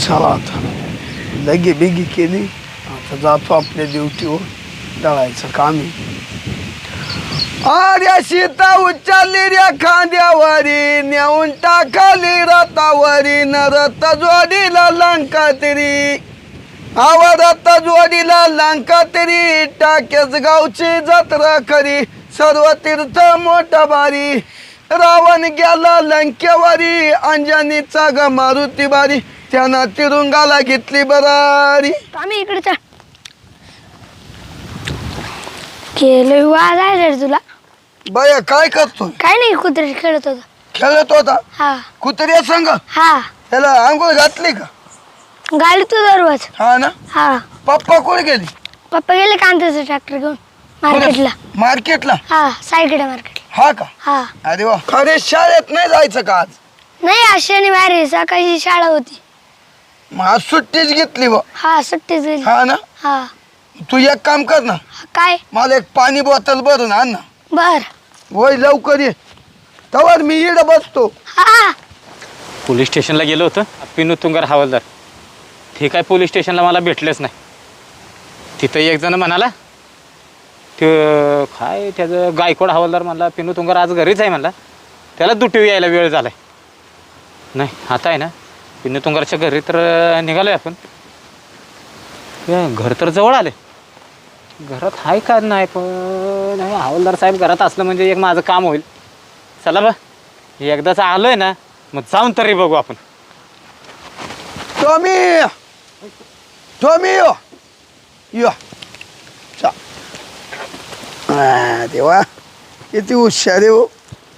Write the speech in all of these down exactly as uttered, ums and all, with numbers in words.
चला आता लगे बिगी केली, आता जातो आपल्या ड्युटीवर, दळायचं काम आहे. अरे सीता उचलली रे खांद्यावरी, नेऊन टाकाली रतावरी, न रथ जोडीला लंका तरी, आवा रथ जोडीला लंका तरी, टाक्याच गावची जत्रा खरी, सर्व तीर्थ मोठा भारी, रावण गेला लंकेवारी, अंजनीचा ग मारुती बारी, त्यानं तिरुंगाला घेतली बरारी. आम्ही इकडे केलं वाज आहे रे तुला. बया काय करतोय? काय नाही, कुत्रे खेळत होता. खेळत होता? हा. कुत्र्या संग? हा. त्याला आंघोळ घातली का? गाडी तू दरवाज. हा ना. हा. पप्पा कुठे गेली? पप्पा गेले कांद्याचं ट्रॅक्टर घेऊन मार्केटला. मार्केटला? हा, सायकडे मार्केट. हा का? हा. अरे वा. खरे शाळेत नाही जायचं का आज? नाही, आज शनिवार आहे, सकाळची शाळा होती. मग आज सुट्टीच घेतली बा. हा, सुट्टीच गेली. हा ना. हा. तू एक काम कर ना, काय? मला एक पाणी बॉटल भरून आण ना. बर. होय, लवकर ये, तवर मी इकडे बसतो. हा. पोलीस स्टेशनला गेलो होतं, पिनू तुंगार हवालदार. ते काय पोलीस स्टेशनला मला भेटलेच नाही. तिथं एक जण म्हणाला, ते काय त्याचं गायकवाड हवालदार म्हणला, पिनू तुंगार आज घरीच आहे म्हणला, त्याला दुटी यायला वेळ झाला आहे. नाही, आता आहे ना, पिनू तुंगारच्या घरी तर निघालो आहे आपण. घर तर जवळ आले. घरात आहे का नाही, पण हवालदार साहेब घरात असलं म्हणजे एक माझं काम होईल. चला बा, एकदाच आलो आहे ना, मग जाऊन तरी बघू आपण. टॉमी, टॉमी यो यो चा. आ, देवा किती हुशार आहे हो.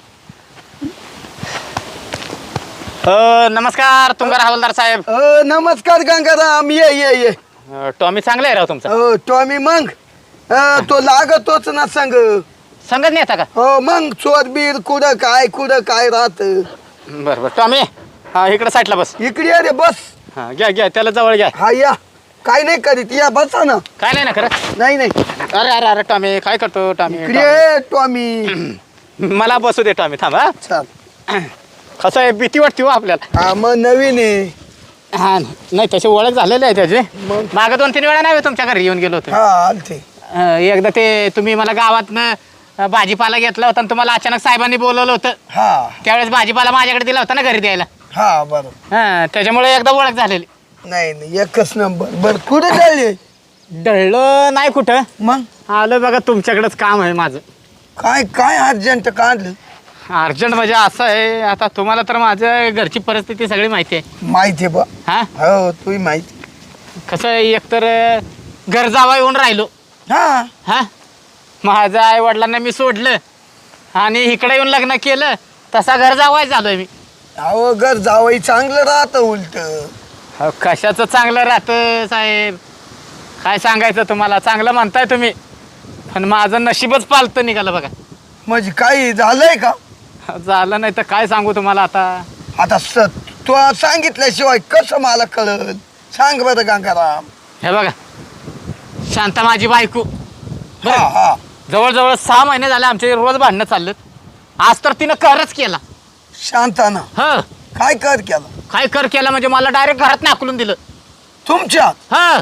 अ, नमस्कार तुंगार हवालदार साहेब. अ, नमस्कार गंगाराम, ये ये ये. अ, टॉमी चांगला आहे राव तुमचा. हो टॉमी, मग अ, तो लागतोच ना संग. संगत नाही येता का? हो मग, चोर बीर कुठं काय कुठं काय राहत. बरं बरं टॉमी, हा इकडे साईडला बस. इकडे ये रे, बस. हा घ्या घ्या, त्याला जवळ घ्या. हा या, काय नाही करीत, या बसा ना. काय नाही ना खरं. नाही नाही, अरे अरे अरे टॉमी काय करतो टॉमी? इकडे ये, टॉमी. टॉमी. मला बसू दे टॉमी, थांब. हा चाल. कसं आहे, भीती वाटते हो आपल्याला. हा मग नवीन आहे. हा नाही, तशी ओळख झालेली आहे त्याची. मग? मागं दोन तीन वेळा नाही तुमच्या घरी येऊन गेलो होतो. हा आलते. अ, एकदा ते तुम्ही मला गावातनं अ, भाजीपाला घेतला होता आणि तुम्हाला अचानक साहेबांनी बोलवलं होतं. हा त्यावेळेस भाजीपाला माझ्याकडे दिला होता ना घरी द्यायला. हा बरोबर. हा, त्याच्यामुळे एकदा ओळख झालेली. नाही नाही, एकच नंबर. बर कुठे चालले? डळलं नाही कुठं. मग आलं बघा, तुमच्याकडेच काम आहे माझं. काय काय अर्जंट काढलं? अर्जंट म्हणजे असं आहे, आता तुम्हाला तर माझ्या घरची परिस्थिती सगळी माहिती आहे. माहिती आहे बा. हा, हो तुही माहिती. कसं आहे, एकतर घर जावा येऊन राहिलो. हा हा, माझ्या आई वडिलांना मी सोडलं आणि इकडे येऊन लग्न केलं, तसा घर जावाय झालोय मी. अहो घर जावई चांगलं राहतं उलट. अहो, कशाचं चांगलं राहतं साहेब, काय सांगायचं तुम्हाला. चांगलं म्हणताय तुम्ही, पण माझं नशीबच पालतं निघालं बघा. म्हणजे काही झालंय का? झालं नाही तर काय सांगू तुम्हाला आता. आता स तू सांगितल्याशिवाय कसं मला कळल? सांग बरं गंगाराम. हे बघा, शांता माझी बायको, हा हा. जवळजवळ सहा महिने झाले आमचे रोज भांडणं चाललेत. आज तर तिनं करच केला. शांताना ह, काय कर केलं? काय कर केला म्हणजे मला डायरेक्ट घरात नाकलून दिलं. तुमच्या ह,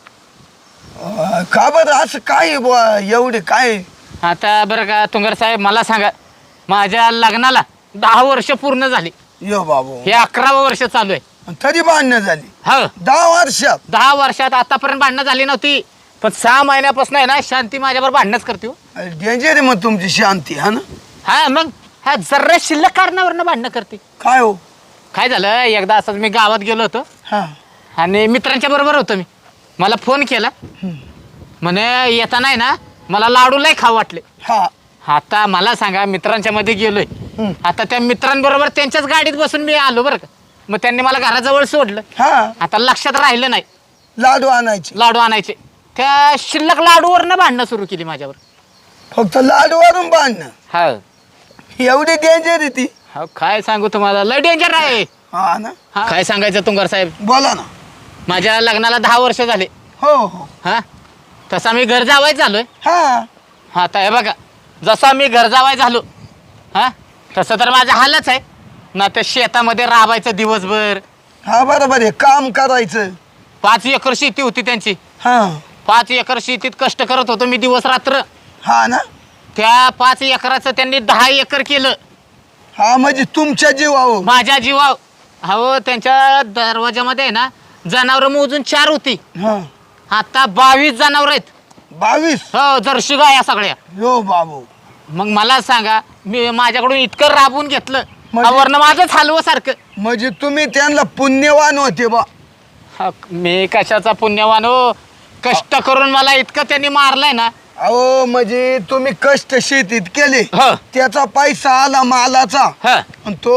का बरं असं काय बुवा, एवढे काय? आता बरं का तुंगार साहेब, मला सांगा, माझ्या लग्नाला दहा वर्ष पूर्ण झाली. यो बाबू, हे अकरावं वर्ष चालू आहे. तरी भांडणं झाली ह, दहा वर्षात? दहा वर्षात आतापर्यंत भांडणं झाली नव्हती, पण सहा महिन्यापासून आहे ना शांती माझ्याबरोबर भांडणच करते हो. डेंजर आहे मग तुमची शांती. हा ना. हा मग, ह्या जर्रा शिल्लक कारणावरनं भांडणं करते. काय हो? काय झालं, एकदा असंच मी गावात गेलो होतो हा आणि मित्रांच्या बरोबर होतो मी. मला फोन केला, म्हणे येताना आहे ना मला लाडू लय खाऊ वाटले. हा. आता मला सांगा, मित्रांच्या मध्ये गेलोय, हम्म. आता त्या मित्रांबरोबर त्यांच्याच गाडीत बसून मी आलो बरं का. मग त्यांनी मला घराजवळ सोडलं. हा. आता लक्षात राहिलं नाही लाडू आणायचे? लाडू आणायचे. त्या शिल्लक लाडूवरनं भांडणं सुरू केली माझ्यावर. फक्त लाडूवरून बांधणं? हा, एवढी डेंजर आहे ती? हा काय सांगू तुम्हाला, लय डेंजर आहे. हा ना. हा, काय सांगायचं तुंगार साहेब, बोला ना. माझ्या लग्नाला दहा वर्ष झाले. हो हो. हा, तसा मी घर जावाय झालोय. हा. आता हे बघा, जसा मी घर जावाय झालो, हा तसं तर माझा हालच आहे ना. त्या शेतामध्ये राबायचं दिवसभर, हा बरोबर आहे, काम करायचं. पाच एकर शेती होती त्यांची. हा पाच एकर शेतीत कष्ट करत होतो मी दिवस रात्र. हा ना. त्या पाच एकराचं त्यांनी दहा एकर केलं हा म्हणजे तुमच्या जीवावर. माझ्या जीवाव. हो त्यांच्या दरवाजामध्ये आहे ना जनावर मोजून चार होती, हा आता बावीस जनावर आहेत. बावीस. हो जर्शी गाया सगळ्या. यो बाबू. मग मला सांगा मी माझ्याकडून इतकं राबवून घेतलं म्हणजे- वरनं माझंच हलवं सारखं. म्हणजे तुम्ही त्यांना पुण्यवान होते बा. हा, मी कशाचा पुण्यवान हो. कष्ट करून मला इतकं त्यांनी मारलंय ना. अहो म्हणजे तुम्ही कष्ट शेतीत केले, ह त्याचा पैसा आला मालाचा, ह आणि तो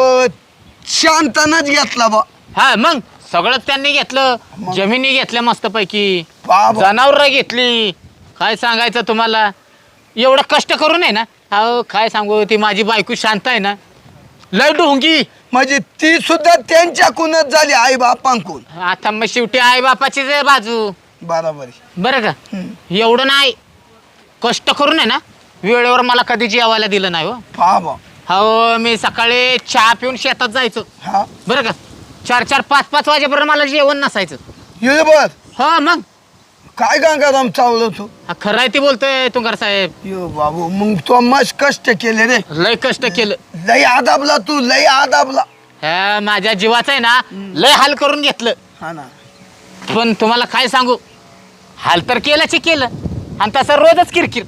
शांतनच घेतला बा. हा मग सगळं त्यांनी घेतलं. मग? जमिनी घेतल्या मस्तपैकी, बाबा. जनावर घेतली. काय सांगायचं तुम्हाला, एवढं कष्ट करून आहे ना. अहो काय सांगू, ती माझी बायको शांत आहे ना, लय ढोंगी. म्हणजे ती सुद्धा त्यांच्याकडूनच झाली, आई बापांकडून. आता मग शेवटी आई बापाचीच आहे बाजू. बरोबर आहे. बरं का. हम्म. एवढं नाही कष्ट करून आहे ना, वेळेवर मला कधी जेवायला दिलं नाही हो. बाबा. हो मी सकाळी चहा पिऊन शेतात जायचो. हा बरं का. चार चार पाच पाच वाजेपर्यंत मला जेवण नसायचं. ये बर. हो मग काय गंगाराम चावलं तू. हा, खरं आहे ती बोलतोय तुंगार साहेब. यो बाबू, मग तो मस्त कष्ट केले रे. लय कष्ट केलं. लय आदाबला तू, लय आदाबला. ह्या माझ्या जीवाचं आहे ना लय हाल करून घेतलं. हा ना. पण तुम्हाला काय सांगू, हाल तर केलंच केलं, आणि तसं रोजच किरकिर,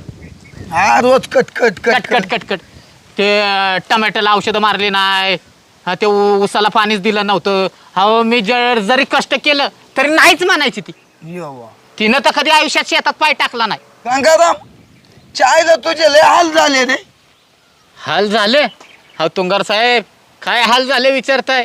हा रोज कटकट कट कट कट कट. ते अं, टमॅटोला औषधं मारली नाही, हा, ते ऊ- ऊसाला पाणीच दिलं नव्हतं. हो मी जर जरी कष्ट केलं तरी नाहीच म्हणायची ती. यो बा. तिनं तर कधी आयुष्यात शेतात पाय टाकला नाही. गंगाराम, चायला तुझे लय हाल झाले रे. हाल झाले. हा तुंगार साहेब काय हाल झाले विचारताय.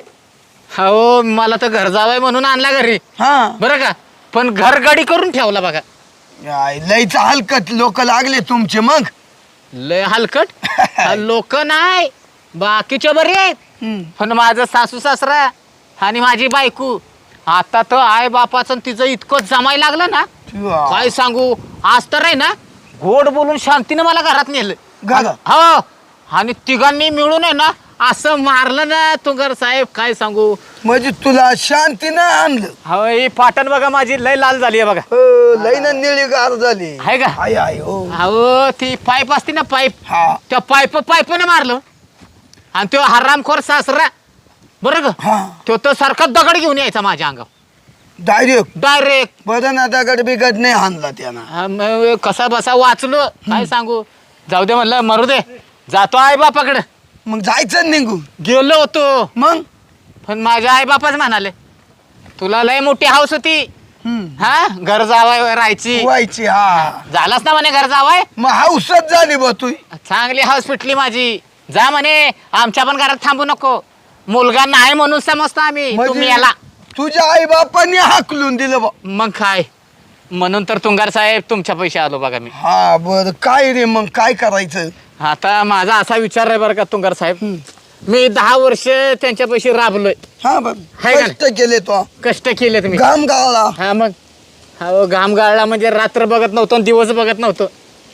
हो मला तर घर जावंय म्हणून आणला घरी, हा बरं का. पण घर गाडी करून ठेवला बघा. याय, लयच हलकट लोक लागले तुमचे मग. लय हलकट लोक नाही, बाकीच्या बरे आहेत. हम्म. पण माझं सासू सासरा आणि माझी बायको, आता तर आई बापाचं आणि तिचं इतकं जमायला लागलं ना, तुआ. काय सांगू. आज तर आहे ना गोड बोलून शांतीने मला घरात नेलं. घरात? हो, आणि तिघांनी मिळून आहे ना असं मारलं ना तुंगार साहेब, काय सांगू. म्हणजे तुला शांतीनं आणलं. हो ही पाटण बघा माझी लय लाल झाली आहे बघा. हो, लय ना निळी गार झाली. आहे का. आय आय हो. हो ती पाईप असते ना पाईप, हा त्या पाईप पाईपने मारलं. आणि तो हरामखोर सासरा बरं का, हा तो तर सारखा दगड घेऊन यायचा माझ्या अंगावर डायरेक्ट. डायरेक्ट. बरं ना, दगड बिगड नाही आणला त्यानं. कसा बसा वाचलो, काय सांगू. जाऊ दे म्हणलं, मरू दे, जातो आई बापाकडे. मग जायचं निघून. गेलो होतो, मग पण माझ्या आई बापाच म्हणाले तुला लय मोठी हाऊस होती, हम्म. हा घर जावाय राहायची. व्हायची. हा झालाच ना म्हणे घर जावाय. मग हाऊसच झाली बा तू. चांगली हाऊस पिटली माझी. जा म्हणे आमच्या पण घरात थांबू नको, मुलगा नाही म्हणून समजतो आम्ही, तुम्ही याला. तुझ्या आई बापांनी हाकलून दिलं बा. मग काय, म्हणून तर तुंगार साहेब तुमच्या पैसे आलो बघा मी. हा बर, काय रे मग काय करायचं. आता माझा असा विचार आहे बरं का तुंगार साहेब, मी दहा वर्ष त्यांच्या पैसे राबलोय. हा बर, हाय का कष्ट केले तो, कष्ट केले तुम्ही. घाम गाळला. हा मग हो घाम गाळला म्हणजे रात्र बघत नव्हतो आणि दिवस बघत नव्हतो.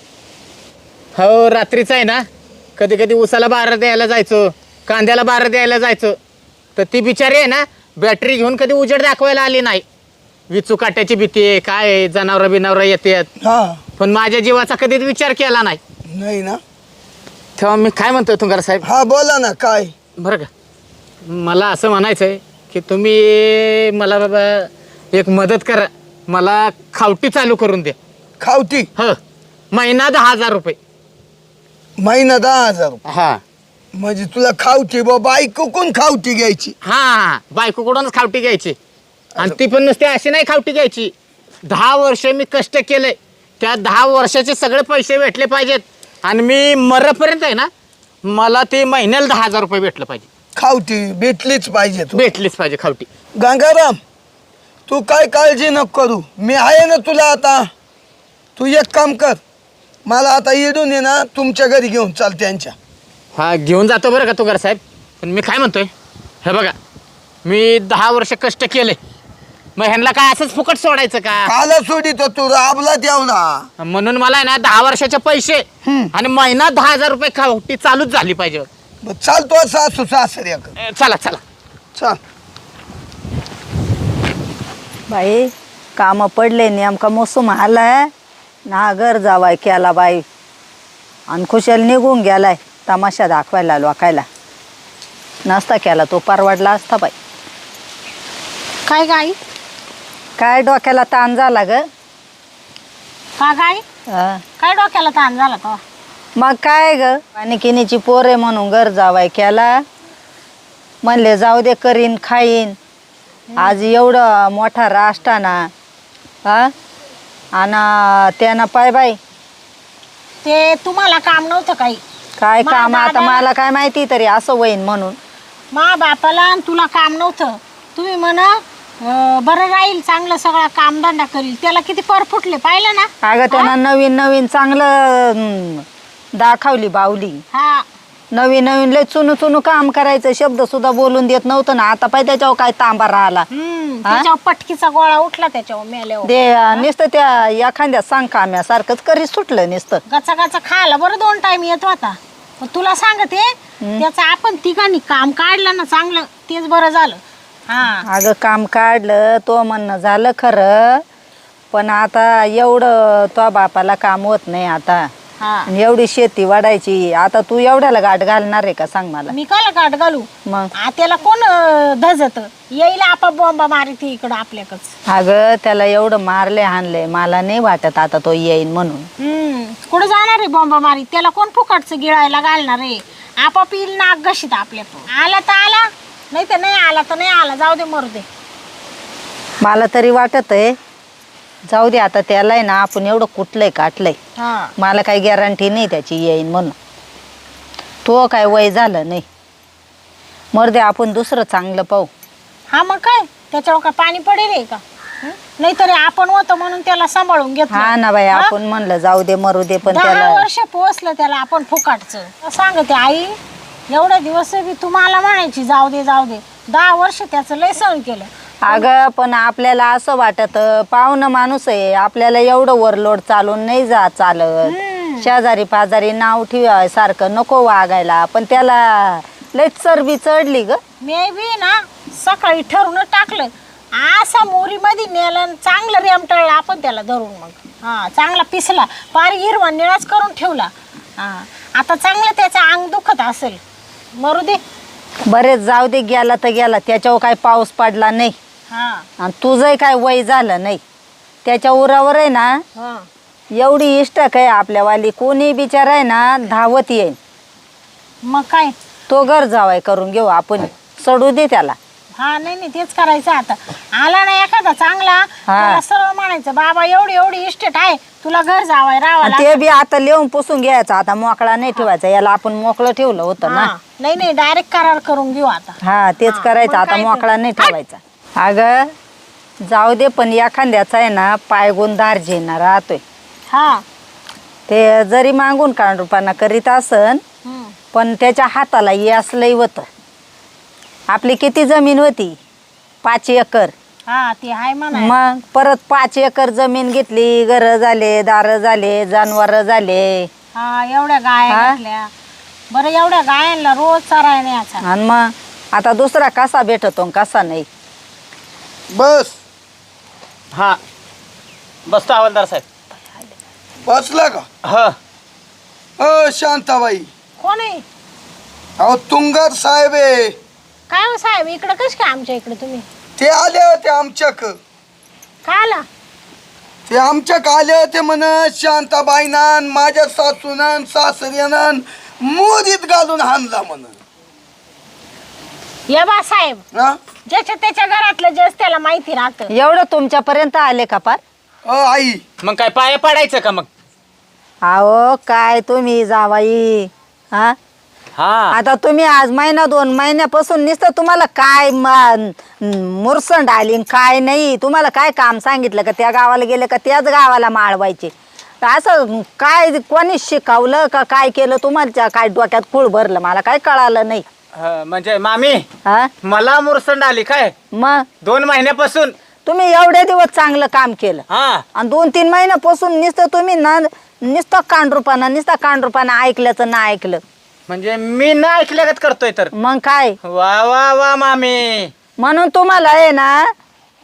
हो रात्रीच आहे ना कधी कधी उसाला बारं द्यायला जायचो, कांद्याला बारं द्यायला जायचो, तर ती बिचारी आहे ना बॅटरी घेऊन कधी उजेड दाखवायला आली नाही. विचू काट्याची भीती आहे, काय आहे, जनावरं बिनावरं येतात. हा पण माझ्या जीवाचा कधीच विचार केला नाही. नाही ना. तेव्हा मी काय म्हणतोय तुंगार साहेब, हा बोला ना काय. बरं का, मला असं म्हणायचं आहे की तुम्ही मला बाबा एक मदत करा, मला खावटी चालू करून द्या. खावटी. हो महिना दहा हजार रुपये. महिना दहा हजार रुपये. हा म्हणजे तुला खावटी बा, बायको कोण खावटी घ्यायची. हा बायकोकडूनच खावटी घ्यायची, आणि ती पण नुसती अशी नाही खावटी घ्यायची. दहा वर्ष मी कष्ट केलंय, त्या दहा वर्षाचे सगळे पैसे भेटले पाहिजेत, आणि मी मरेपर्यंत आहे ना मला ते महिन्याला दहा हजार रुपये भेटलं पाहिजे. खावटी भेटलीच पाहिजे तू. भेटलीच पाहिजे खावटी. गंगाराम, तू काय काळजी नको करू, मी आहे ना तुला. आता तू एक काम कर, मला आता येडून ये ना तुमच्या घरी घेऊन चाल त्यांच्या. हा घेऊन जातो बरं का तुंगार साहेब. पण मी काय म्हणतोय, हे बघा मी दहा वर्ष कष्ट केले, मग ह्यांना काय असंच फुकट सोडायचं का. काला सोडित तू राबला तेवढा. म्हणून मला आहे ना दहा वर्षाचे पैसे हम्म. आणि महिना दहा हजार रुपये खावटी चालूच झाली पाहिजे. चालतो सासू सासऱ्या. ए, चला चला. चाल. बाई काम पडले नेमका मोसम आलाय ना घर जावाय केला बाई आणि खुशाल निघून गेलाय तमाशा दाखवायला लोकायला. नसता केला तो परवडला असता बाई. काय गाई काय डोक्याला ताण झाला ग. का गाई हा. काय डोक्याला ताण झाला तो? मग काय ग आणि किनीची पोरे म्हणून घर जावाय केला. म्हणले जाऊ दे करीन खाईन. आज एवढं मोठा राष्ट्राना हा आणि त्यानं पाय बाई ते तुम्हाला काम नव्हतं काही. काय मा काम आता दादा- मला काय माहिती तरी असं होईन म्हणून. मा बापाला आणि तुला काम नव्हतं. तुम्ही म्हणा अं, बरं राहील चांगलं सगळा कामधंदा करील. त्याला किती पर फुटले पाहिलं ना. अगं त्यानं नवीन नवीन चांगलं हम्म, दाखवली बावली. हा नवीन नवीन लय चुनू चुनू काम करायचं शब्द सुद्धा बोलून देत नव्हतं ना. आता पाय त्याच्यावर काय तांबा राहिला. हम्म हा? त्याच्यावर पटकीचा गोळा उठला त्याच्यावर मेल्यावर. ते नुसतं त्या एखाद्या सांग काम्यासारखंच करी सुटलं नुसतं. गचा गचा खायला बरं दोन टाइम येत होता. पण तुला सांगते त्याचं आपण तिघांनी काम काढलं ना चांगलं तेच बरं झालं. हा अगं काम काढलं तो म्हणणं झालं खरं. पण आता एवढं तो बापाला काम होत नाही आता. हा आणि एवढी शेती वाढायची आता तू एवढ्याला गाठ घालणार आहे का सांग मला. मी काला गाठ घालू. मग आ, त्याला कोण धजत येईल आपा बॉम्बा मारिती इकडं आपल्याकडच. अगं त्याला एवढं मारले हाणले मला नाही वाटत आता तो येईन म्हणून. हम्म कुठं जाणार आहे बॉम्बा मारी? त्याला कोण फुकटचं गिळायला घालणार आहे? आपाप येईल नाक घशीत आपल्या. आला तर आला नाही तर नाही आला तर नाही आला. जाऊ दे मरू दे. मला तरी वाटत आहे जाऊ दे आता त्याला आहे ना आपण एवढं कुठलंय काटलंय. हा मला काही गॅरंटी नाही त्याची येईन म्हणून. तो काय वय झालं नाही मर दे आपण दुसरं चांगलं पाहू. हा मग काय त्याच्यावर काय पाणी पडेल आहे का? नाहीतरी आपण होतो म्हणून त्याला सांभाळून घेतलं. हा ना बाई हा? आपण म्हणलं जाऊ दे मरू दे पण दहा त्याला वर्ष पोचलं त्याला आपण फुकाटचं. सांगते आई एवढे दिवस बी तुम्हाला म्हणायची जाऊ दे जाऊ दे. दहा वर्ष त्याचं लय सहन केलं. अगं पण आपल्याला असं वाटत पाहुणं माणूस आहे आपल्याला एवढं ओव्हरलोड चालून नाही जा चालत. हम्म. शेजारी पाजारी नाव ठेवाय सारखं नको वागायला पण त्याला लय चरबी चढली ग. मी बी ना सकाळी ठरवून टाकलं असा मोरी मध्ये नेलं आणि चांगलं रेमटळलं आपण त्याला धरून. मग हा चांगला पिसला पार हिरवा निळाच करून ठेवला. हा आता चांगलं त्याचं अंग दुखत असेल. मरू दे. बरेच जाऊ दे गेला तर गेला त्याच्यावर काय पाऊस पडला नाही. हा आणि तुझंही काय वय झालं नाही त्याच्या उरावर आहे ना. हा एवढी इष्टक आहे आपल्यावाली कोणी बिचार आहे ना धावत येईल. मग काय. तो घर जावाय करून घेऊ आपण सोडू दे त्याला. हा नाही नाही तेच करायचं आता. आला ना एखादा चांगला त्याला सरळ म्हणायचं बाबा एवढी एवढी इस्टेट आहे तुला घर जावाय राहावं आणि ते बी आता लिहून पुसून घ्यायचं आता मोकळा नाही ठेवायचा. याला आपण मोकळं ठेवलं होतं ना. हा, नाही नाही डायरेक्ट करार करून घेऊ आता. हा तेच हा, करायचं मग आता काय ते? मोकळा नाही ठेवायचा. अगं जाऊ दे पण एखाद्याचा आहे ना पायगुण दार्जिना राहतोय. हा ते जरी मागून कांडूपणा करीत असन हम्म. पण त्याच्या हाताला यश लई होतं. आपली किती जमीन होती पाच एकर. हा ते आहे म्हणा. मग परत पाच एकर जमीन घेतली घर झाले दार झाले जनावर झाले. हा एवढ्या गाय हा? घातल्या. बरं एवढ्या गायांना रोज चराय न्यायचा. आणि मग आता दुसरा कसा भेटतो आणि कसा नाही. बस हां बसतो हवालदार साहेब. बसला का? ह अ शांताबाई कोण आहे? अहो तुंगार साहेब आहे. काय हो साहेब इकडं कश काय आमच्या इकडे तुम्ही? ते आले होते आमच्याक. काय आला? ते आमच्याक आले होते म्हण शांताबाईनान माझ्या सासूनान सासऱ्यानान मोदीत घालून हाणला म्हण. या बा साहेब हा? ज्याच्या त्याच्या घरातलं जस त्याला माहिती राहतं. एवढं तुमच्यापर्यंत आले का पार. अ आई मग काय पाया पडायचं का मग? अहो काय तुम्ही जावाई हा हा आता तुम्ही आज महिना दोन महिन्यापासून नुसतं तुम्हाला काय मुरसंड आली आणि काय नाही. तुम्हाला काय काम सांगितलं का त्या गावाला गेले का त्याच गावाला माळवायचे. असं काय कोणी शिकवलं का काय केलं तुम्हाला काय डोक्यात खूळ भरलं मला काय कळालं नाही. ह, म्हणजे मामी हा मला मुरसंड आली काय मग दोन महिन्यापासून. तुम्ही एवढे दिवस चांगलं काम केलं हा आणि दोन तीन महिन्यापासून नुसतं तुम्ही ना नुसतं कांडरूपाना नुसतं कांडरूपाना ऐकल्याचं ना ऐकलं. म्हणजे मी ना ऐकल्यागत करतोय तर. मग काय वा वा वा मामी. म्हणून तुम्हाला आहे ना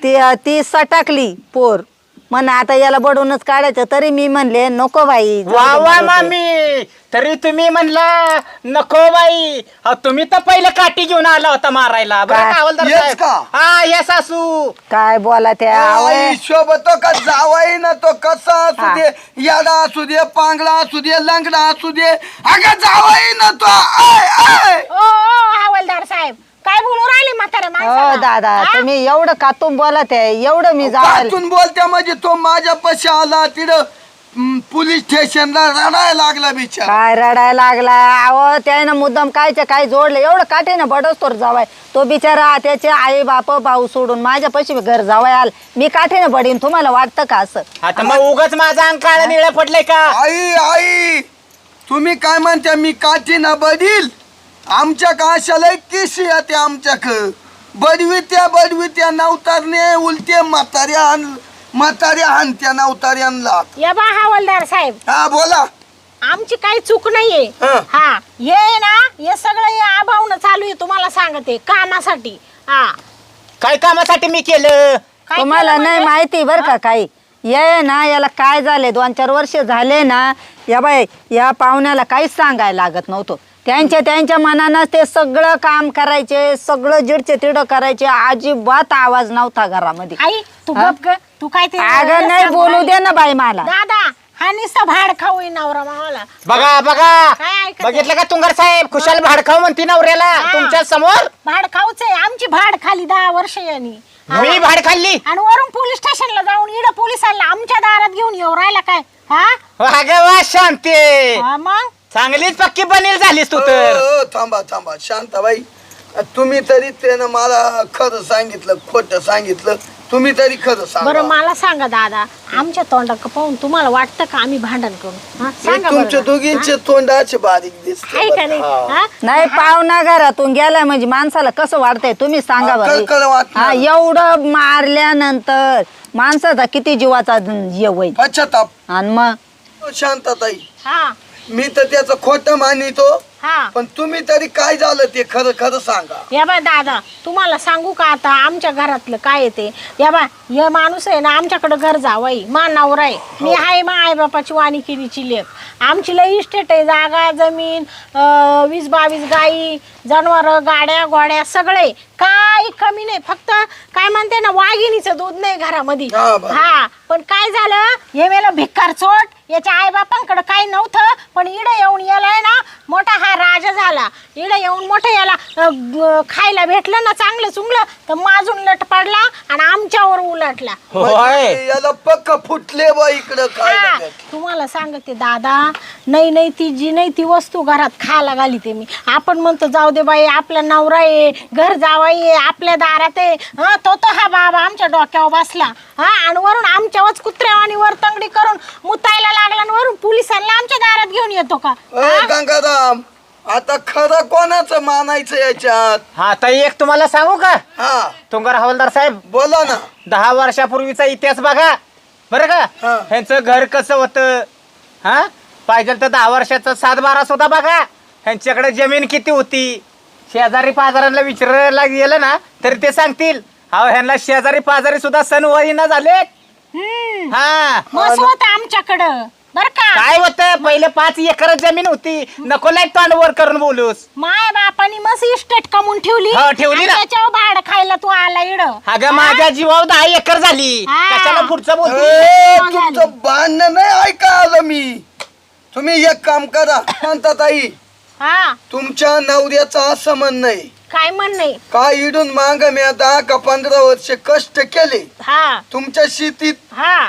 ती ती सटाकली पोर म्हण आता याला बडवूनच काढायचं, तरी मी म्हणले नको बाई जाऊ वा दे वा मरू दे. मामी, तरी तुम्ही म्हणला नको बाई. अहो, तुम्ही तर पहिले काठी घेऊन आला होता मारायला बरं काय? का हवालदार येस साहेब? का? हा ये सासू. काय बोला त्या आई शोभतो का जावाई ना तो कसा असू हा. दे, याडा असू दे, पांगडा असू दे, लंगडा असू दे, अगं जावाई ना तो आय आय ओ ओ, हवालदार साहेब काय बोलू राहिले म्हाताऱ्या हो माणसाला? दादा हा? तुम्ही एवढं कातून बोलत आहे, एवढं मी जावायला कातून बोलत्या म्हणजे तो माझ्या पशी आला तिथं हम्म, पोलीस स्टेशनला रडायला लागला बिचार. काय रडायला लागला. अहो त्यानं मुद्दाम कायच्या काय जोडलं, एवढं काठीनं बडोस्तोर जावाय तो बिचारा, त्याचे आई बाप भाऊ सोडून माझ्या पशी घर जावाय आल, मी काठीनं बडीन. तुम्हाला वाटतं का असं? आता मग उगाच माझा अंग काळा निळा पडलाय का? आई आई तुम्ही काय म्हणता, मी काठी ना बदील आमच्या काशाला किशी येते आमच्याक बडवित्या बडवित्या नवतारने उलटे म्हाताऱ्या आण म्हाताऱ्या हानत्या नवताऱ्यांना. या बा हवालदार साहेब हा बोला. आमची काही चूक नाहीये. हा. हा ये ना हे सगळं हे आभावनं चालू आहे, तुम्हाला सांगते कामासाठी. हा काय कामासाठी मी केलं? काय तुम्हाला केलं नाही म्हणजे? माहिती बरं का काही. ये ना याला काय झाले, दोन चार वर्ष झाले ना, या बाई या पाहुण्याला काहीच सांगायला लागत नव्हतं. त्यांच्या त्यांच्या मनानं ते सगळं काम करायचे, सगळं जिडचे तिडं करायचे, अजिबात आवाज नव्हता घरामध्ये. आई तू हा? गप ग, तू काय ते अगं नाही बोलू दे ना बाई मला. दादा हा निस्ता भाड खाऊ नवरा मावाला. बघा बघा, काय ऐकत बघितलं का तुंगार साहेब, खुशाल भाडखाव म्हणती नवऱ्याला हा. तुमच्या समोर. भाड खाऊच आहे, आमची भाड खाली दहा वर्ष यांनी. मी भाड खाल्ली. आणि वरून पोलीस स्टेशनला जाऊन इड पोलिसांना आमच्या दारात घेऊन येऊ राहिला काय? हा अगं वा शांती, हा, मग चांगलीच पक्की बनेल झालीस तू तर. अ, अ, थांबा थांबा शांताबाई, तुम्ही तरी त्यानं मला खरं सांगितलं खोटं सांगितलं, तुम्ही तरी खरं बरं सांगा. मला सांगा दादा, आमच्या तोंडाक पाहून तुम्हाला वाटतं का आम्ही भांडण करू? हा, सांगा बरं तुमच्या ना. दोघींचे तोंडाचे बारीक दिसते आहे का नाही? बरं. हा? नाही पाहुणा घरातून गेलाय म्हणजे माणसाला कसं वाटतंय तुम्ही सांगा हा, बरं. कळकळ वाटणार. हा एवढं मारल्यानंतर माणसाचा किती जीवाचा ये होईल. पश्चाताप. आणि मग शांताताई, हा मी तर त्याचं खोटं मानितो, हा पण तुम्ही तरी काय झालं ते खरं खरं सांगा. या बा दादा, तुम्हाला सांगू का आता आमच्या घरातलं काय येते? या बा हे माणूस आहे ना, आमच्याकडे घर जावाई मा नवरा आहे, मी आहे मा आई बापाची वाणिकिरीची लेख. आमची लई इस्टेट आहे, जागा जमीन, अं, वीस बावीस गाई जनावर गाड्या घोड्या सगळे, काही कमी नाही. फक्त काय म्हणते ना, वाघिणीचं दूध नाही घरामध्ये. हा, बरं. हा पण काय झालं, हे वेळेला भिकार चोट, याच्या आई बापांकडे काही नव्हतं, पण इड येऊन यालाय ना मोठा हा राजा झाला. इड येऊन मोठं याला अ, ग- खायला भेटलं ना चांगलं चुंगलं, तर माजून लट पडला आणि आमच्यावर उलटला. होय. म्हणजे याला पक्क फुटले बा इकडं काय हा, बघत. तुम्हाला सांगते दादा, नाही नाही ती जी नाही ती वस्तू घरात खायला घाली ते मी. आपण म्हणतो जाऊ दे बाई, आपला नवरा आहे, घर जावाई आहे, आपल्या दारात आहे. हा तो तो हा बाबा आमच्या डोक्यावर बसला. हा आणि वरून आमच्यावरच कुत्र्यावानी वर तंगडी करून मुतायला लागला आणि वरून पोलिसांना आमच्या दारात घेऊन येतो का? अ, गंगाराम, आता खरं कोणाचं मानायचं याच्यात? हा ताई, एक तुम्हाला सांगू का हा तुंगार हवालदार साहेब, बोला ना. दहा वर्षापूर्वीचा इतिहास बघा बरं हा. का. ह्यांचं घर कसं होतं, हा पाहिजे तर दहा वर्षाचा सात बारा सुद्धा बघा. ह्यांच्याकडे जमीन किती होती, शेजारी पाजारांना विचारायला गेलं ना तरी ते सांगतील. हा ह्यांना शेजारी पाजारी सुद्धा सण वहिना झालेत. हम्म हा मस्त होतं आमच्याकडं बर का. काय होतं, पहिले पाच एकर जमीन होती, नको लाईट तोंड वर करून बोलूस. माय बापानी मस्त इस्टेट कमवून ठेवली. हो, ठेवली आणि ना. त्याच्यावर भाड खायला तू आला इड. अगं माझ्या जीवावर दहा एकर झाली, हा. कशाला पुढचं बोलते. ए, झाली. तुमचं भांडण नाही ऐका आलं मी. तुम्ही एक काम करा शांताताई, हा तुमच्या नवऱ्याचं असं म्हणणं आहे काय म्हण नाही. का इडून माग मी दहा का पंधरा वर्ष कष्ट केले हा तुमच्या शेतीत, हा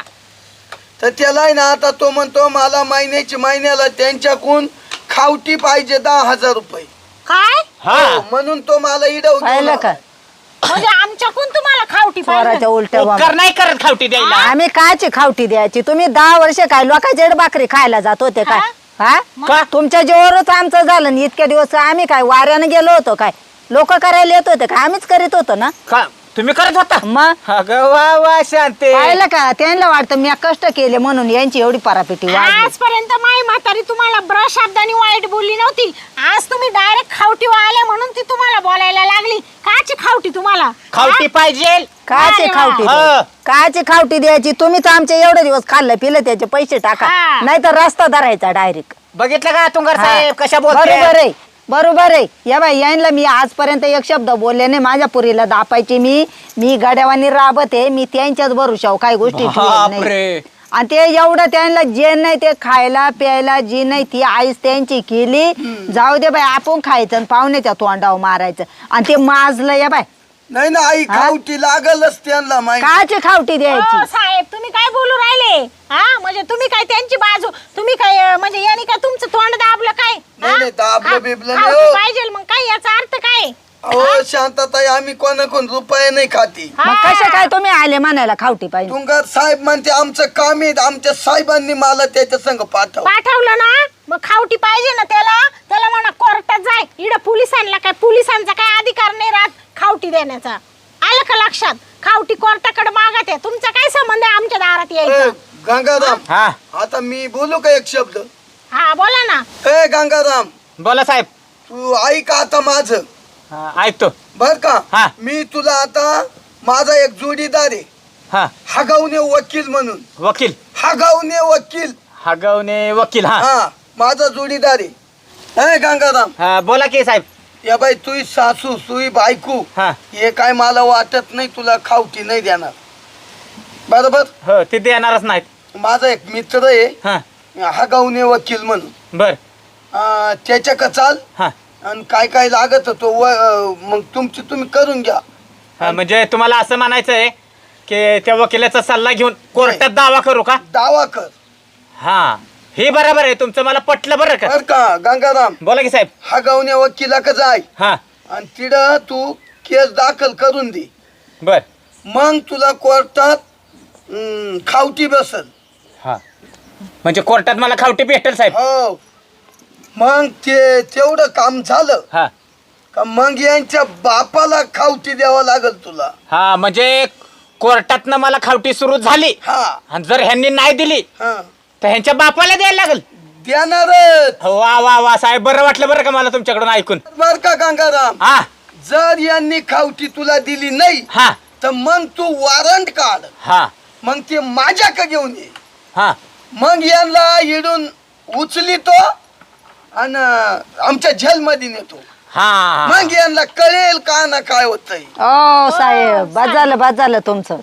तर त्याला आहे ना आता तो म्हणतो मला महिन्याची महिन्याला त्यांच्याकडून खावटी पाहिजे दहा हजार रुपये. काय हा हो, म्हणून तो मला इडव पाहिलं का म्हणजे आमच्याकडून तुम्हाला खावटी चोराच्या पाहिजे? उलट्या उपकार बोंबा. नाही करत खावटी द्यायला. आम्ही कायची खावटी द्यायची? तुम्ही दहा वर्ष काय लोकांच्या इकडे भाकरी खायला जात होते काय? हा का? तुमच्या जेवरच आमचं झालं आणि इतक्या दिवस आम्ही काय वाऱ्यानं गेलो होतो काय? लोक करायला येत होते का? आम्हीच करीत होतो ना. का तुम्ही करत होता? मग अगं वा वा शांते. पाहिलं का, त्यांना वाटतं मी कष्ट केले म्हणून यांची एवढी परापिटी वाढली. आजपर्यंत माई म्हातारी तुम्हाला ब्र शब्दानी वाईट बोलली नव्हती. आज तुम्ही डायरेक्ट खावटी आले म्हणून ती तुम्हाला बोलायला लागली. काची खावटी तुम्हाला? खावटी पाहिजे कायची अरे वा. खावटी हा. द्यायची? कायची खावटी द्यायची? तुम्ही तर आमचे एवढे दिवस खाल्लं पिलं त्याचे पैसे टाका, हा. नाही तर रस्ता धरायचा डायरेक्ट. बघितलं का तुंगार साहेब कशा बरोबर बोलते आहे, बरोबर आहे. या बाई यांना मी आजपर्यंत एक शब्द बोलले नाही. माझ्या पुरीला दापायची मी मी गाड्यावानी राबत आहे. मी त्यांच्याच भरोशावर काही गोष्टी ठेवत नाही. बापरे. आणि ते एवढं त्यांना जे नाही ते खायला प्यायला जी नाही ती आईच त्यांची केली. जाऊ दे बाई, आपण खायचं आणि पाहुण्याच्या तोंडावर मारायचं. आणि ते माजलं या बाय, नाही ना आई खावटी लागलच त्यांना माहिती. काची खावटी द्यायची? हो, साहेब तुम्ही काय बोलू राहिले हा म्हणजे तुम्ही काय त्यांची बाजू तुम्ही काय अं, म्हणजे यांनी काय तुमचं तोंड दाबलं काय नाही, हा? नाही, दाबलं खा- बिबलं खावटी नाही, हो. पाहिजे मग काय याचा अर्थ काय अहो शांतताई आम्ही कोणाकोण रुपये नाही खाती. मग हा. कशा काय तुम्ही आले म्हणायला खावटी पाहिजे? तुंगार साहेब म्हणते आमचं काम आहे, आमच्या साहेबांनी मला त्याच्या संग पाठव. पाठवलं ना मग खावटी पाहिजे ना त्याला त्याला म्हणा कोर्टात जाय. इकडं पोलिसांना काय पोलिसांचा काय अधिकार नाही राहत खावटी देण्याचा. आलं का लक्षात? खावटी कोर्टाकडे मागत आहे. तुमचा काय संबंध आहे आमच्या दारात ए, यायचा? गंगाराम हा आता मी बोलू का एक शब्द? हा बोला ना. ए गंगाराम बोला साहेब. तू ऐक आता माझं हा, ऐकतो. बर का? हा. मी तुला आता माझा एक जोडीदार आहे हा हगवणे वकील म्हणून. वकील हगवणे वकील हगवणे वकील. हा हा माझा जोडीदार आहे. ए गंगाराम हा, बोला की साहेब. या बाई तुही सासू तुही बायको हा हे काय मला वाटत नाही तुला खावटी नाही देणार. बरोबर? हो ते देणारच नाहीत. माझा एक मित्र आहे हा हगवणे वकील म्हणून. बर. अं, त्याच्या चाल हा आणि काय काय लागत होतो व अं, मग तुमची तुम्ही करून घ्या. हा, म्हणजे तुम्हाला असं म्हणायचं आहे की त्या वकिलाचा सल्ला घेऊन कोर्टात दावा करू का? दावा कर. हा हे बरोबर आहे तुमचं, मला पटलं बरं का. बर का गंगाराम? बोला की साहेब. हगवणे वकिला का जाय हा आणि तिथं तू केस दाखल करून दे. बर. मग तुला कोर्टात अं, खावटी बसल. हा म्हणजे कोर्टात मला खावटी भेटेल साहेब. हो मग ते तेवढं काम झालं हा का मग यांच्या बापाला खावटी द्यावं लागल तुला. हा म्हणजे कोर्टातनं मला खावटी सुरू झाली हा आणि जर ह्यांनी नाही दिली हा तर ह्यांच्या बापाला द्यायला लागल. देणारच. वा वा वा साहेब, बरं वाटलं बरं का मला तुमच्याकडून ऐकून. बर का गंगाराम? हा जर यांनी खावटी तुला दिली नाही हा तर मग तू वॉरंट काढ. हा मग ते माझ्याकडे घेऊन ये. हा मग यांना इडून उचलितो आणि आमच्या जेलमध्ये नेतो. हा मग यांना कळेल का ना काय होतंय. ओ साहेब, बाद झालं बाद झालं तुमचं.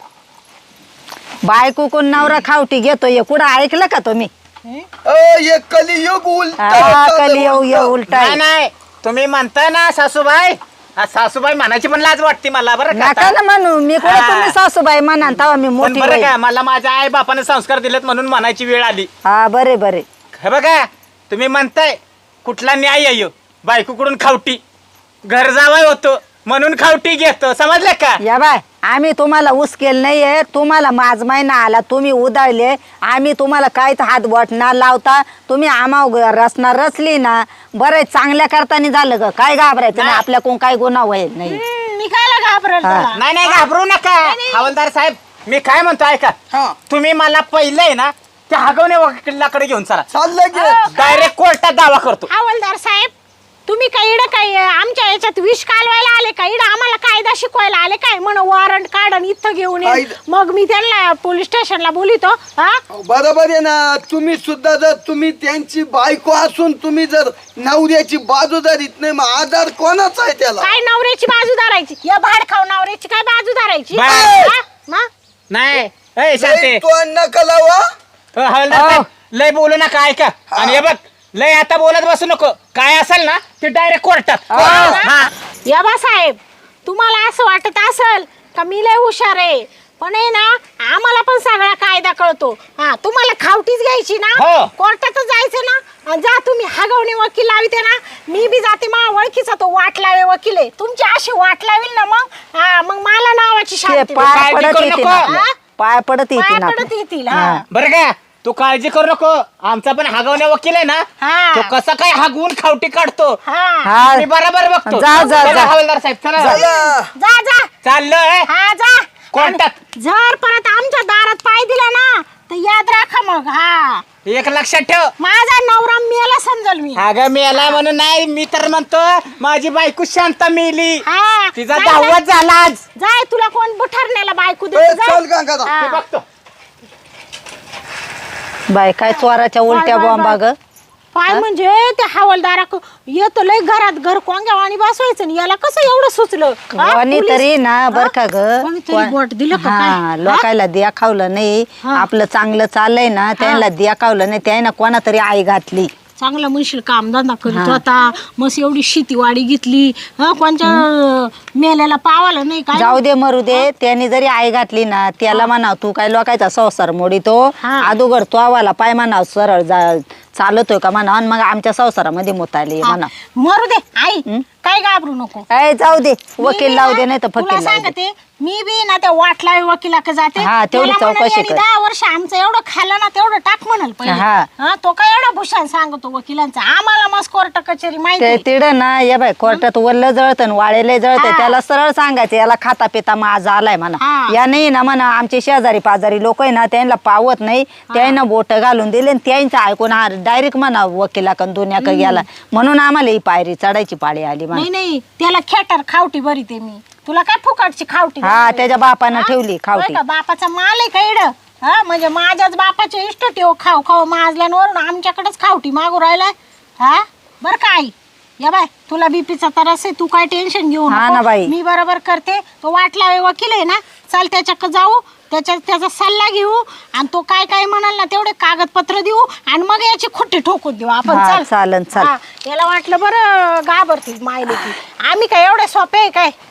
बायको कोण नवरा खावटी घेतोय कुठं ऐकलं का तुम्ही? अ, हे कलियुग उलट हा, कलियुग ये उलटा नाही आहे. नाही तुम्ही म्हणताय ना सासूबाई, हा, सासूबाई म्हणायची पण लाज वाटते मला बरं का नका आता. ना म्हणू, मी कुठं हा. तुम्ही सासूबाई म्हणा तेव्हा मी पण मोठी बरं होईल. का मला माझ्या आई बापाने संस्कार दिलेत म्हणून म्हणायची वेळ आली. हा बरे बरे. हे बघा तुम्ही म्हणताय कुठला न्याय आहे ह्यो? बायकोकडून खावटी, घर जावाय होतो म्हणून खावटी घेतो, समजलं का? या बाय, आम्ही तुम्हाला उसकेल नाहीये. तुम्हाला माझ महिना आला, तुम्ही उधळले. आम्ही तुम्हाला काहीच हात बोट ना लावता तुम्ही आम्हा रचना रचली ना. बरं चांगल्या करताना झालं ग, काय घाबरायचं नाही. नाही. आपल्याकडून काय गुन्हा होईल नाही. हम्म, मी कायला घाबरेल हा. त्याला? नाही नाही घाबरू नका हवालदार साहेब. मी काय म्हणतो ऐका, हा तुम्ही मला पहिलं आहे ना त्या हगवणे वकिलाकडे घेऊन चला. चाललं गे. डायरेक्ट कोर्टात दावा करतो. हवालदार साहेब तुम्ही काय इडं काय आमच्या याच्यात विष कालवायला आले का? इडं आम्हाला कायदा शिकवायला आले काय? म्हण वॉरंट काढ आणि इथं घेऊन ये. कायदा- मग मी त्यांना पोलीस स्टेशनला बोलितो. हा बरोबर आहे ना. तुम्ही सुद्धा जर तुम्ही त्यांची बायको असून तुम्ही जर नवऱ्याची बाजू धरीत नाही मग आधार कोणाचा आहे त्याला? काय नवऱ्याची बाजू धरायची? या भाड खाऊ नवऱ्याची काय बाजू धरायची? बाय. हा? मग? नाही ए, शांती. लय तो नका लावा. हो, हवालदार साहेब, लय बोलू नका ऐका. आणि हे बघ लय आता बोलत बसू नको. काय असेल ना ते डायरेक्ट कोर्टात. हा या बा साहेब तुम्हाला असं वाटत असेल का मी लय हुशार आहे, पण आहे ना आम्हाला पण सगळा कायदा कळतो. हा तुम्हाला खावटीच घ्यायची ना, हो. कोर्टातच जायचं ना. अन जा तुम्ही हगवणे वकील लाविते ना, मी बी जाते. मा ओळखीचा तो वाट लावे वकील आहे. तुमची अशी वाट लावेल ना मग हा मग मला नावाची ते शांती पाय काळजी पडत करू येतील नको. आपल्या. हा? पाय पडत पाय येतील पडत आपल्या. येतील. हा. हा बरं का तू काळजी करू नको. आमचा पण हगवण्या वकील आहे ना, हा. तो कसा काय हगवून खावटी काढतो हा हा. मी बरोबर बघतो. जा, जा, चला, जा. हवालदार साहेब चला. चला. जा जा चाललोय हा जा. कोर्टात. जर परत आमच्या दारात पाय दिला ना तर याद राखा मग. हा एक लक्षात ठेव. माझा नवरा मेला समजल मी. अगं मेला म्हणून नाही, मी तर म्हणतो माझी बायको शांता मेली. हा तिचा जाय, दहावाच झाला आज. जाय तुला कोण बुठारण्याला बायको ए, देत चल गंगाधर. हा. बघतो. बाय काय चोराच्या उलट्या बाय, बाय, बॉम्बा ग काय म्हणजे त्या हवालदारा येतो लय घरात घर कोंग्या आणि बसवायचं आणि याला कसं एवढं सुचलं हा? कोणी पोलीस- तरी ना बर का ग कोणीतरी बोट दिलं का काय? हा लोकायला द्याखावलं नाही. हा. आपलं चांगलं चाललंय ना त्यांना द्याखावलं नाही, त्याने कोणा तरी आई घातली. चांगला म्हणशील कामधंदा करीत होता, मस्त एवढी शेतीवाडी घेतली हा कोणच्या मेल्याला पावाला नाही काय. जाऊ दे मरू दे, त्याने जरी आई घातली ना त्याला म्हणाव तू काय लोकायचा संसार मोडीतो. हा. अदोगर तो आवाला पाय म्हणाव सरळ जा चालतोय का म्हणा आणि मग आमच्या संसारामध्ये मोताली म्हणा. मरू दे आई काय घाबरू नको. ए जाऊ दे, वकील मी लावू ना, दे नाही तर तुला फकीर लावू दे. सांगते मी बी ना त्या वाटला वकिलाकडे जाते. हा, तेवढी त्याला म्हणाल, चौकशी यांनी कर. दहा वर्ष आमचं एवढं खाल्लं ना तेवढं टाक म्हणाल पहिले. हा. हा, तो काय एवढा भूषण सांगतो वकिलांचा, आम्हाला मस्त कोर्ट कचेरी माहिती ते आहे. तिड ना या बाय कोर्टात वल्ल जळतं वाळेले जळतं, हा. त्याला सरळ सांगायचं याला खाता पिता माझा आलाय म्हणा. हा. या नाही ना म्हणा आमचे शेजारी पाजारी लोक आहे ना त्यांना पावत नाही, त्यांना बोट घालून दिले आणि त्यांचं ऐकून हा डायरेक्ट म्हणा वकिलाकडून दुनियाक गेला म्हणून आम्हाला ही पायरी चढायची पाळी आली म्हणा. नाही नाही त्याला खेटर खावटी बरी ते मी तुला काय फुकटची खावटी हा देणार? त्याच्या बापानं हा? ठेवली खावटी. होय का, बापाचा माल आहे का इड हा म्हणजे माझ्याच बापाचे इष्ट ठेव खाऊ खाऊ माजल्यावर आमच्याकडेच खावटी मागू राहिलाय. हा बर का आई या बाय तुला बीपीचा त्रास आहे, तू काय टेन्शन घेऊ हा नको. ना बाई. मी बरोबर करते. तो वाटला वकील आहे ना, चल त्याच्याकडे जाऊ, त्याच्या त्याचा सल्ला घेऊ आणि तो काय काय म्हणाल ना तेवढे कागदपत्र देऊ आणि मग याची खुट्टी ठोकून देऊ आपण. हा, चल चालन, चल. हा, याला वाटलं बरं घाबरतील मायले की आम्ही काय एवढे सोपे आहे काय.